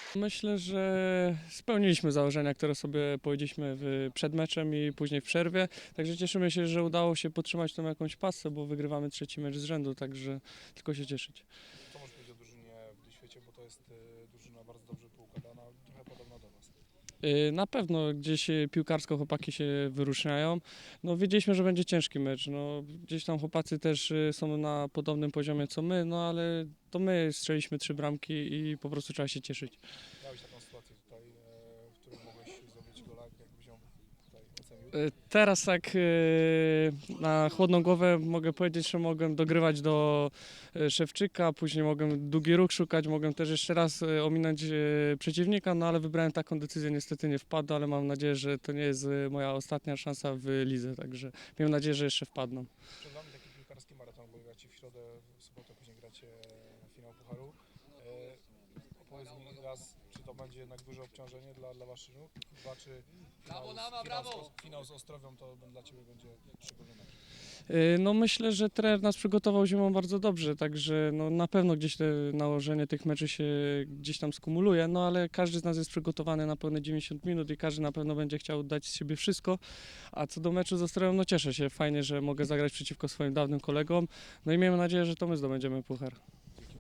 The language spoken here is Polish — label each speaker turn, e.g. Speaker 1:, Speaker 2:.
Speaker 1: Myślę, że spełniliśmy założenia, które sobie powiedzieliśmy przed meczem i później w przerwie. Także cieszymy się, że udało się podtrzymać tą jakąś pasę, bo wygrywamy trzeci mecz z rzędu, także tylko się cieszyć.
Speaker 2: Co możesz powiedzieć o drużynie w Duświecie, bo to jest drużyna bardzo dobrze poukładana, trochę podobna do Was.
Speaker 1: Na pewno gdzieś piłkarsko chłopaki się wyróżniają. No, wiedzieliśmy, że będzie ciężki mecz. No, gdzieś tam chłopacy też są na podobnym poziomie co my, no ale to my strzeliśmy 3 bramki i po prostu trzeba się cieszyć.
Speaker 2: Miałeś taką sytuację tutaj, w której mogłeś zdobyć gola, jakbyś ją tutaj ocenił?
Speaker 1: Teraz tak na chłodną głowę mogę powiedzieć, że mogłem dogrywać do Szewczyka, później mogłem długi ruch szukać, mogłem też jeszcze raz ominąć przeciwnika, no ale wybrałem taką decyzję, niestety nie wpadł, ale mam nadzieję, że to nie jest moja ostatnia szansa w lidze, także miejmy nadzieję, że jeszcze wpadną.
Speaker 2: Przed Wami taki piłkarski maraton, bo gracie w środę, w sobotę, później gracie finał Pucharu. Opowiedz mi raz, czy to będzie jednak duże obciążenie dla Waszych? Dwa, czy finał z Ostrowią to dla Ciebie będzie szczególny mecz?
Speaker 1: No myślę, że trener nas przygotował zimą bardzo dobrze, także no na pewno gdzieś te nałożenie tych meczy się gdzieś tam skumuluje, no ale każdy z nas jest przygotowany na pełne 90 minut i każdy na pewno będzie chciał dać z siebie wszystko, a co do meczu z Ostrowią, no cieszę się, fajnie, że mogę zagrać przeciwko swoim dawnym kolegom, no i miejmy nadzieję, że to my zdobędziemy puchar.